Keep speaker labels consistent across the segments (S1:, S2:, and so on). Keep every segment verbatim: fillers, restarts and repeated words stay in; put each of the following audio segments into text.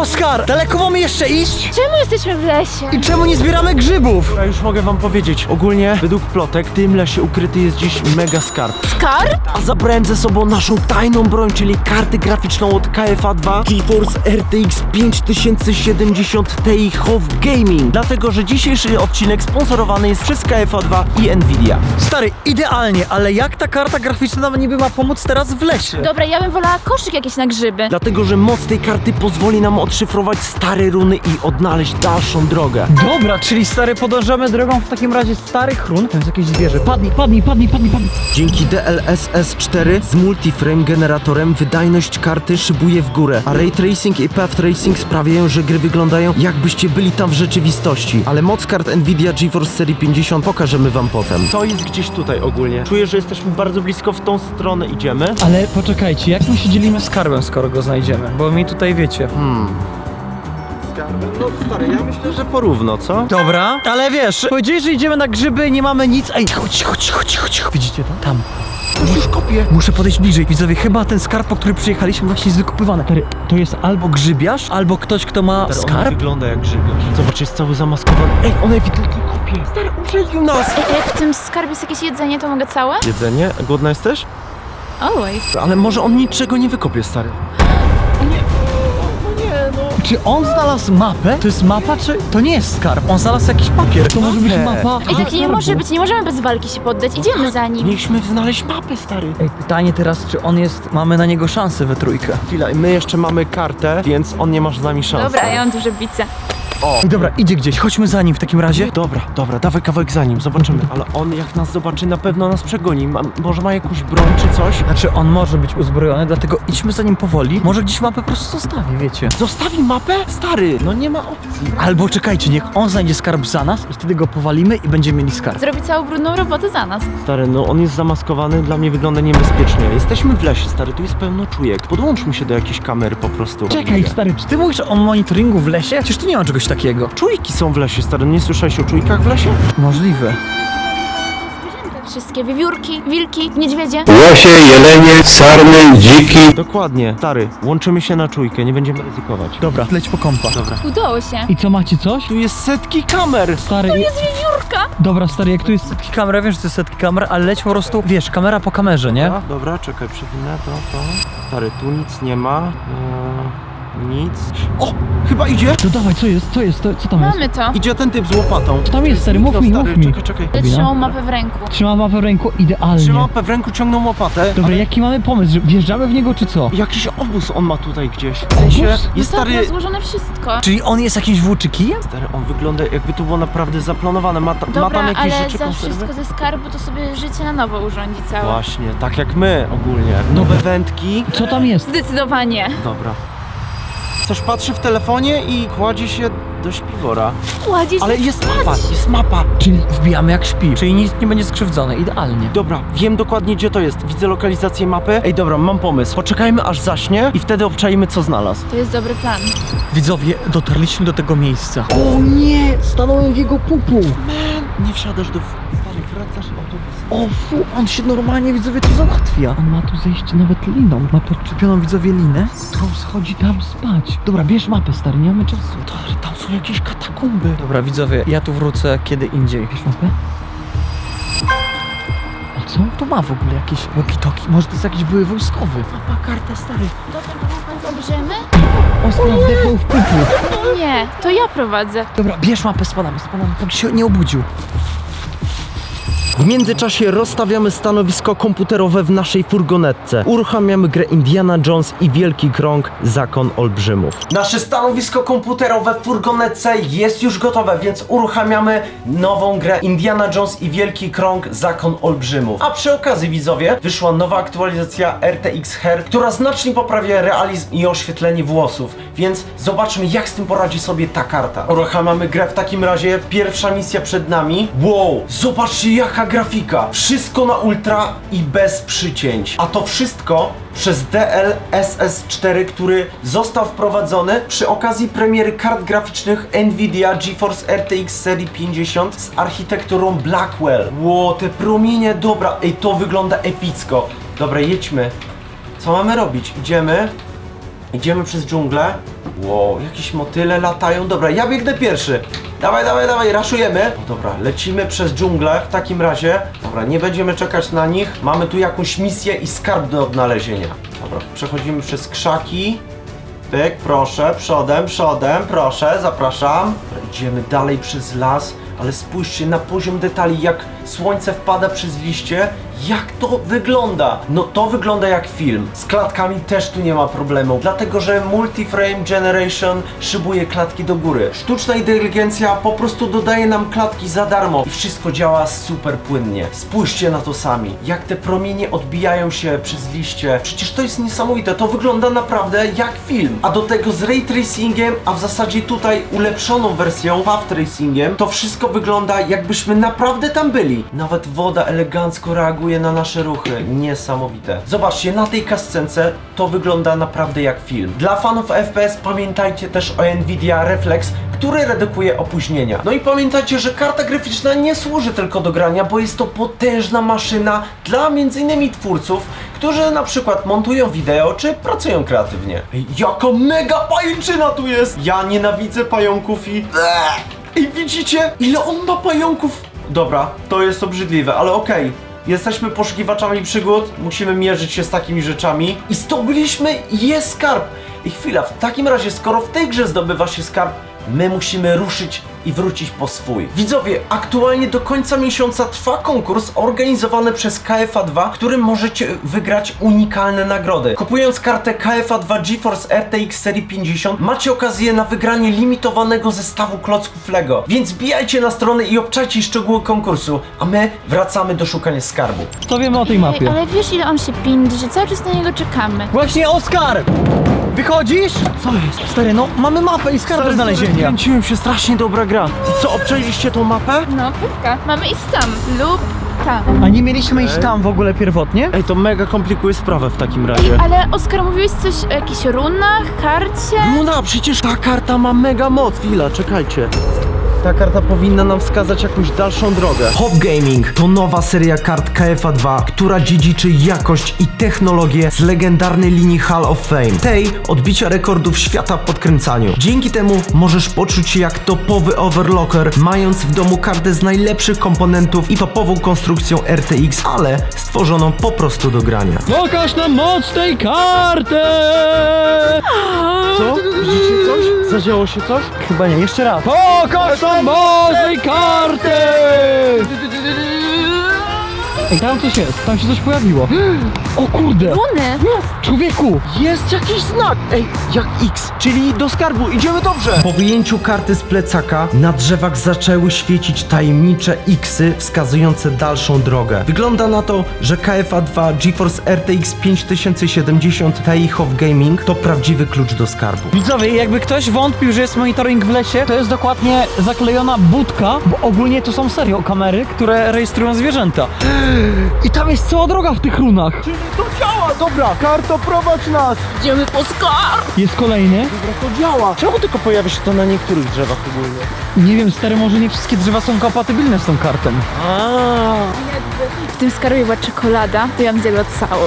S1: Oskar, daleko mamy jeszcze iść?
S2: Czemu jesteśmy w lesie?
S1: I czemu nie zbieramy grzybów?
S3: Ja już mogę wam powiedzieć, ogólnie według plotek w tym lesie ukryty jest dziś mega skarb.
S2: Skarb?
S3: A zabrałem ze sobą naszą tajną broń, czyli kartę graficzną od K F A dwa GeForce R T X pięć tysięcy siedemdziesiąt Ti Hof Gaming. Dlatego, że dzisiejszy odcinek sponsorowany jest przez K F A dwa i Nvidia.
S1: Stary, idealnie, ale jak ta karta graficzna nam niby ma pomóc teraz w lesie?
S2: Dobra, ja bym wolała koszyk jakiś na grzyby.
S3: Dlatego, że moc tej karty pozwoli nam odszyfrować stare runy i odnaleźć dalszą drogę.
S1: Dobra, czyli stary, podążamy drogą w takim razie starych run. To jest jakieś zwierzę. Padnij, padnij, padnij, padnij, padnij.
S3: Dzięki D L S S cztery z multiframe generatorem wydajność karty szybuje w górę, a ray tracing i path tracing sprawiają, że gry wyglądają jakbyście byli tam w rzeczywistości. Ale moc kart Nvidia GeForce serii pięćdziesiąt pokażemy wam potem. To jest gdzieś tutaj ogólnie. Czuję, że jesteśmy bardzo blisko, w tą stronę idziemy.
S1: Ale poczekajcie, jak my się dzielimy skarbem, skoro go znajdziemy? Bo mi tutaj wiecie.
S3: Hmm. No stary, ja myślę, że porówno, co?
S1: Dobra, ale wiesz, powiedziałeś, że idziemy na grzyby i nie mamy nic. Ej, chodź, chodź, chodź, chodź. Widzicie to? Tam.
S3: Ktoś już kopie.
S1: Muszę podejść bliżej. Widzowie, chyba ten skarb, po który przyjechaliśmy, właśnie jest wykopywany. Stary, to jest albo grzybiarz, albo ktoś, kto ma
S3: Stary, on
S1: skarb.
S3: wygląda jak grzybiarz. Zobacz, jest cały zamaskowany. Ej, on ewidentnie kopie. Stary, uprzedził nas.
S2: Ej, jak w tym skarbie jest jakieś jedzenie, to mogę całe?
S3: Jedzenie? Głodna jesteś?
S2: Always.
S3: Ale może on niczego nie wykopie, stary.
S1: Czy on znalazł mapę? To jest mapa, czy to nie jest skarb? On znalazł jakiś papier. To może być
S3: Mapę.
S1: mapa.
S2: Ej, tak nie może być, nie możemy bez walki się poddać, idziemy za nim.
S3: Mieliśmy znaleźć mapę, stary.
S1: Ej, pytanie teraz, czy on jest, mamy na niego szansę we trójkę.
S3: Chwila, my jeszcze mamy kartę, więc on nie masz z nami szans.
S2: Dobra, ja mam duże bice.
S3: O!
S1: Ej, dobra, idzie gdzieś, chodźmy za nim w takim razie.
S3: Dobra, dobra, dawaj kawałek za nim, zobaczymy. Ale on jak nas zobaczy, na pewno nas przegoni. Ma, może ma jakąś broń czy coś?
S1: Znaczy, on może być uzbrojony, dlatego idźmy za nim powoli. Może gdzieś mapę po prostu zostawi, wiecie.
S3: Zostawi mapę? Stary, no nie ma opcji.
S1: Albo czekajcie, niech on znajdzie skarb za nas i wtedy go powalimy i będziemy mieli skarb.
S2: Zrobi całą brudną robotę za nas.
S3: Stary, no on jest zamaskowany, dla mnie wygląda niebezpiecznie. Jesteśmy w lesie, stary, tu jest pełno czujek. Podłączmy się do jakiejś kamery po prostu.
S1: Czekaj, stary, czy ty mówisz o monitoringu w lesie? Przecież tu nie ma czegoś takiego.
S3: Czujki są w lesie, stary, nie słyszałeś o czujkach w lesie?
S1: Możliwe.
S2: Wszystkie wiewiórki, wilki, niedźwiedzie.
S4: Łosie, jelenie, sarny, dziki.
S3: Dokładnie, stary, łączymy się na czujkę, nie będziemy ryzykować.
S1: Dobra, leć po kompa.
S3: Dobra.
S2: Udało się.
S1: I co, macie coś?
S3: Tu jest setki kamer!
S1: Stary,
S2: To jest wiewiórka.
S1: dobra, stary, jak tu jest setki kamer, ja wiem, że to jest setki kamer, ale leć po prostu, wiesz, kamera po kamerze, nie?
S3: Dobra, dobra, czekaj, przewinę to, to. Stary, tu nic nie ma. Eee, nic. O! Chyba idzie!
S1: To dawaj, co jest, co jest, to, co tam jest?
S2: Mamy to.
S3: Idzie ten typ z łopatą.
S1: Co tam jest, stary, mów
S3: No,
S1: mi,
S3: stary,
S1: mów mi.
S3: czekaj, czekaj.
S2: Ale trzymał mapę w ręku.
S1: Trzyma mapę w ręku, idealnie.
S3: Trzyma mapę w ręku, ciągnął łopatę.
S1: Dobra,
S3: ale
S1: jaki mamy pomysł, że wjeżdżamy w niego, czy co?
S3: jakiś obóz on ma tutaj gdzieś. W sensie,
S1: Obóz?
S3: jest
S2: No tak,
S3: stary...
S2: ma złożone wszystko.
S1: Czyli on jest jakimś włóczykijem?
S3: Stary, on wygląda jakby to było naprawdę zaplanowane. Ma, ta, ma
S2: Dobra,
S3: tam jakieś
S2: ale
S3: rzeczy,
S2: za
S3: konserwy.
S2: wszystko ze skarbu to sobie życie na nowo urządzi całe.
S3: Właśnie, tak jak my ogólnie. Nowe wędki.
S1: Co tam jest?
S2: Zdecydowanie.
S3: Dobra. Coś patrzy w telefonie i kładzie się do śpiwora.
S2: Kładzie się
S3: Ale jest
S2: spać.
S3: mapa, jest mapa.
S1: Czyli wbijamy jak śpi, czyli nic nie będzie skrzywdzone, idealnie.
S3: Dobra, wiem dokładnie gdzie to jest. Widzę lokalizację mapy. Ej, dobra, mam pomysł. Poczekajmy aż zaśnie i wtedy obczajmy co znalazł.
S2: To jest dobry plan.
S1: Widzowie, dotarliśmy do tego miejsca. O nie, stanąłem w jego pupu.
S3: Nie wsiadasz do... Stary, wracasz autobus.
S1: O fu, on się normalnie, widzowie, tu załatwia. On ma tu zejście nawet liną. Ma podczepioną, widzowie, linę, którą schodzi tam spać. Dobra, bierz mapę, stary, nie mamy czasu.
S3: Stary, tam są jakieś katakumby.
S1: Dobra, widzowie, ja tu wrócę kiedy indziej. Bierz mapę. A co on tu ma w ogóle? Jakieś walkie-talkie? Może to jest jakiś były wojskowy?
S3: Mapa, karta, stary.
S2: Dobra, to pan obrzemy?
S1: On stał wdechnął w pupu.
S2: Nie, to ja prowadzę.
S1: Dobra, bierz mapę, spadamy, spadamy, póki się nie obudził.
S3: W międzyczasie rozstawiamy stanowisko komputerowe w naszej furgonetce. Uruchamiamy grę Indiana Jones i Wielki Krąg Zakon Olbrzymów. Nasze stanowisko komputerowe w furgonetce jest już gotowe, więc uruchamiamy nową grę Indiana Jones i Wielki Krąg Zakon Olbrzymów. A przy okazji, widzowie, wyszła nowa aktualizacja R T X Her, która znacznie poprawia realizm i oświetlenie włosów. Więc zobaczmy, jak z tym poradzi sobie ta karta. Uruchamiamy grę w takim razie. Pierwsza misja przed nami. Wow, zobaczcie jaka grafika. Wszystko na ultra i bez przycięć. A to wszystko przez D L S S cztery, który został wprowadzony przy okazji premiery kart graficznych Nvidia GeForce R T X serii pięćdziesiąt z architekturą Blackwell. Wow, te promienie, dobra, ej, to wygląda epicko. Dobra, jedźmy. Co mamy robić? Idziemy. Idziemy przez dżunglę. Wow, jakieś motyle latają. Dobra, ja biegnę pierwszy. Dawaj, dawaj, dawaj, raszujemy. No dobra, lecimy przez dżunglę w takim razie. Dobra, nie będziemy czekać na nich. Mamy tu jakąś misję i skarb do odnalezienia. Dobra, przechodzimy przez krzaki. Pyk, proszę, przodem, przodem, proszę, zapraszam. Dobra, idziemy dalej przez las, ale spójrzcie na poziom detali, jak słońce wpada przez liście. Jak to wygląda? No to wygląda jak film. Z klatkami też tu nie ma problemu, dlatego że Multi-Frame Generation szybuje klatki do góry. Sztuczna inteligencja po prostu dodaje nam klatki za darmo i wszystko działa super płynnie. Spójrzcie na to sami, jak te promienie odbijają się przez liście. Przecież to jest niesamowite, to wygląda naprawdę jak film. A do tego z ray tracingiem, a w zasadzie tutaj ulepszoną wersją path tracingiem, to wszystko wygląda jakbyśmy naprawdę tam byli. Nawet woda elegancko reaguje na nasze ruchy. Niesamowite. Zobaczcie, na tej kascence to wygląda naprawdę jak film. Dla fanów F P S pamiętajcie też o Nvidia Reflex, który redukuje opóźnienia. No i pamiętajcie, że karta graficzna nie służy tylko do grania, bo jest to potężna maszyna dla między innymi twórców, którzy na przykład montują wideo, czy pracują kreatywnie. Ej, jaka mega pajęczyna tu jest! Ja nienawidzę pająków i... I widzicie, ile on ma pająków? Dobra, to jest obrzydliwe, ale okej. Jesteśmy poszukiwaczami przygód, musimy mierzyć się z takimi rzeczami. I zdobyliśmy jest skarb! I chwila, w takim razie, skoro w tej grze zdobywa się skarb, my musimy ruszyć i wrócić po swój. Widzowie, aktualnie do końca miesiąca trwa konkurs organizowany przez K F A dwa, w którym możecie wygrać unikalne nagrody. Kupując kartę K F A dwa GeForce R T X serii pięćdziesiąt macie okazję na wygranie limitowanego zestawu klocków Lego. Więc bijajcie na stronę i obczajcie szczegóły konkursu, a my wracamy do szukania skarbu.
S1: Co wiemy o tej
S2: Ej,
S1: mapie?
S2: ale wiesz ile on się pindzi, że cały czas na niego czekamy.
S1: Właśnie Oskar! Wychodzisz? Co jest? Stary, no mamy mapę i skarb do znalezienia.
S3: Kręciłem się, strasznie dobra gra. I co, obczajliście tą mapę?
S2: No, pewka. Mamy iść tam lub tam.
S1: A nie mieliśmy iść tam w ogóle pierwotnie?
S3: Ej, to mega komplikuje sprawę w takim razie.
S2: Ale Oskar, mówiłeś coś o jakichś runach, karcie?
S3: Luna, przecież ta karta ma mega moc. Chwila, czekajcie. Ta karta powinna nam wskazać jakąś dalszą drogę. Hop Gaming to nowa seria kart K F A dwa, która dziedziczy jakość i technologię z legendarnej linii Hall of Fame. Tej odbicia rekordów świata w podkręcaniu. Dzięki temu możesz poczuć się jak topowy overlocker, mając w domu kartę z najlepszych komponentów i topową konstrukcją R T X, ale stworzoną po prostu do grania.
S1: Pokaż nam moc tej karty!
S3: Co? Widzicie coś? Zadziało się coś?
S1: Chyba nie, jeszcze raz. Pokaż nam moc tej karty! Ej, tam coś jest, tam się coś pojawiło. O kurde!
S2: Runy?
S1: Człowieku!
S3: Jest jakiś znak! Ej, jak X, czyli do skarbu, idziemy dobrze! Po wyjęciu karty z plecaka na drzewach zaczęły świecić tajemnicze Xy wskazujące dalszą drogę. Wygląda na to, że K F A dwa GeForce R T X pięć tysięcy siedemdziesiąt Ti Hop Gaming to prawdziwy klucz do skarbu.
S1: Widzowie, jakby ktoś wątpił, że jest monitoring w lesie, to jest dokładnie zaklejona budka, bo ogólnie to są serio kamery, które rejestrują zwierzęta. I tam jest cała droga w tych runach.
S3: Czyli to działa! Dobra, karto, prowadź nas!
S2: Idziemy po skarb!
S1: Jest kolejny.
S3: Dobra, to działa! Czemu tylko pojawia się to na niektórych drzewach ogólnie?
S1: Nie wiem, stary, może nie wszystkie drzewa są kompatybilne z tą kartą.
S3: Aaaa!
S2: W tym skarbie była czekolada, to ja bym zjadła całą.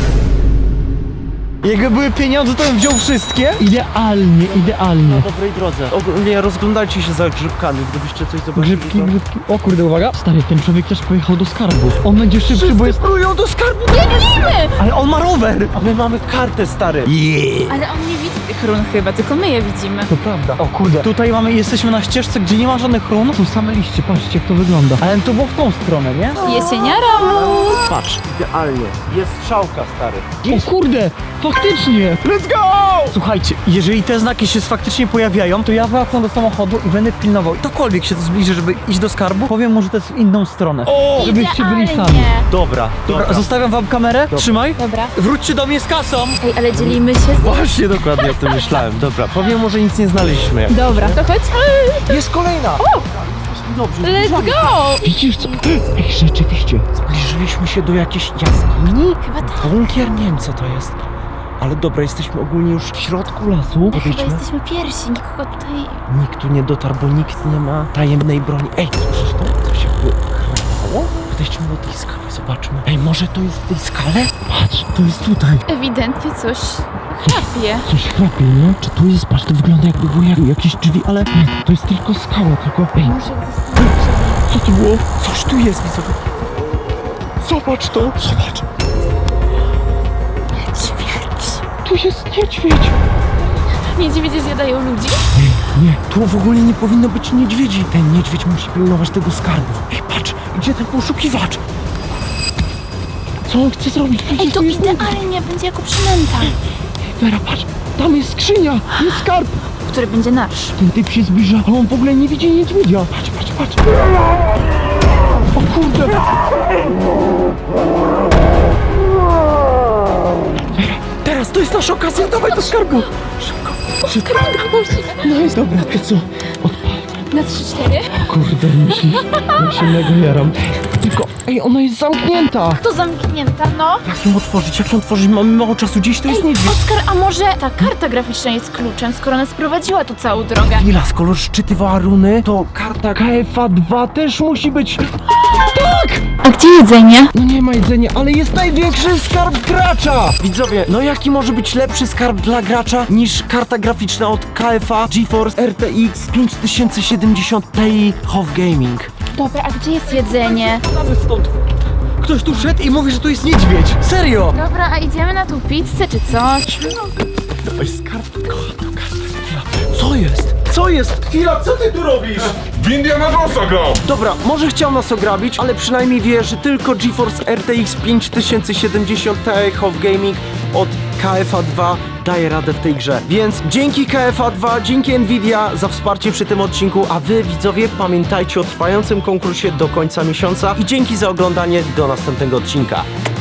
S1: Jakby były pieniądze, to bym wziął wszystkie. Idealnie, idealnie.
S3: Na dobrej drodze. Ogólnie rozglądajcie się za grzybkami, gdybyście coś zobaczyli.
S1: Grzybki,
S3: to...
S1: grzybki. O kurde, uwaga. Stary, ten człowiek też pojechał do skarbu. On będzie szybszy, bo jest...
S3: Próbują do skarbu!
S2: Biegnijmy!
S1: Ale on ma rower!
S3: A my mamy kartę, stary.
S2: Ale on nie widzi tych run chyba, tylko my je widzimy.
S1: To prawda. O kurde. Tutaj mamy, jesteśmy na ścieżce, gdzie nie ma żadnych run. Są same liście, patrzcie jak to wygląda. Ale to było w tą stronę, nie?
S2: Jesieniara!
S3: Patrz, idealnie. Jest strzałka, stary.
S1: O kurde, faktycznie!
S3: Let's go!
S1: Słuchajcie, jeżeli te znaki się faktycznie pojawiają, to ja wracam do samochodu i będę pilnował. Ktokolwiek się to zbliży, żeby iść do skarbu, powiem mu, że to jest w inną stronę.
S3: O!
S1: Żebyście byli sami.
S2: Idealnie.
S3: Dobra, dobra.
S1: Dobra, zostawiam wam kamerę. Trzymaj.
S2: Dobra.
S1: Wróćcie do mnie z kasą.
S2: Ej, ale dzielimy się z...
S3: Właśnie dokładnie o tym myślałem. Dobra, powiem mu, że nic nie znaleźliśmy. Jak...
S2: Dobra, to chodź.
S3: Jest kolejna! Jesteśmy dobrze.
S2: Let's go!
S1: Widzisz co? Ej, rzeczywiście.
S3: Zbliżyliśmy się do jakiejś jaskini?
S2: Chyba tak.
S3: Bunkier? Nie wiem co to jest. Ale dobra, jesteśmy ogólnie już w środku lasu.
S2: Chyba
S3: Podejdźmy.
S2: jesteśmy pierwsi, nikogo tutaj...
S3: Nikt tu nie dotarł, bo nikt nie ma tajemnej broni. Ej, słyszysz to? Coś jakby chrapało? Podejdźmy do tej skali, zobaczmy. Ej, może to jest w tej skale? Patrz, to jest tutaj.
S2: Ewidentnie coś chrapie.
S3: Coś chrapie, nie? Czy tu jest? Patrz, to wygląda jakby były jak, jakieś drzwi, ale nie, to jest tylko skała, tylko... Ej,
S2: Może zostanie.
S3: co to było? Coś tu jest, widzowie. Zobacz to. Zobacz. Tu jest niedźwiedź.
S2: Niedźwiedzie zjadają ludzi?
S3: Nie, tu w ogóle nie powinno być niedźwiedzi. Ten niedźwiedź musi pilnować tego skarbu. Ej, patrz, gdzie ten poszukiwacz? Co on chce zrobić? Przecież
S2: Ej, to
S3: tu jest niedźwiedź.
S2: idealnie będzie jako przynęta,
S3: Wera, patrz, tam jest skrzynia, jest skarb.
S2: który będzie nasz.
S3: Ten typ się zbliża, ale on w ogóle nie widzi niedźwiedzia. Patrz, patrz, patrz. O kurde. Wera, teraz to jest nasza okazja, dawaj do skarbu. Szybko, szybko. No jest dobra, to co? Odpal.
S2: Na trzy cztery.
S3: Kurde, myślisz? Ja się mega jaram. Tylko, ej, ona jest zamknięta.
S2: To zamknięta, no.
S3: Jak ją otworzyć? Jak ją otworzyć? Mamy mało czasu, gdzieś to jest
S2: Ej,
S3: niedźwiedź.
S2: Oskar, a może ta karta graficzna jest kluczem, skoro nas prowadziła tu całą drogę?
S3: Chwila, skoro szczytywała runy, to karta K F A dwa też musi być. Tak!
S2: A gdzie jedzenie?
S3: No nie ma jedzenia, ale jest największy skarb gracza! Widzowie, no jaki może być lepszy skarb dla gracza niż karta graficzna od K F A GeForce R T X pięć tysięcy siedemdziesiąt Ti H O V Gaming?
S2: Dobra, a gdzie jest jedzenie?
S3: Nawet stąd. Ktoś tu szedł i mówi, że tu jest niedźwiedź. Serio!
S2: Dobra, a idziemy na tą pizzę czy coś?
S3: Dawaj skarb. Kocham tę kartę. Chwila. Co jest? Co jest? Chwila, co ty tu robisz?
S5: W Indiana Jonesa grał!
S3: Dobra, może chciał nas ograbić, ale przynajmniej wie, że tylko GeForce R T X pięć tysięcy siedemdziesiąt Ti H O V Gaming od K F A dwa daje radę w tej grze. Więc dzięki K F A dwa, dzięki Nvidia za wsparcie przy tym odcinku, a wy widzowie pamiętajcie o trwającym konkursie do końca miesiąca i dzięki za oglądanie, do następnego odcinka.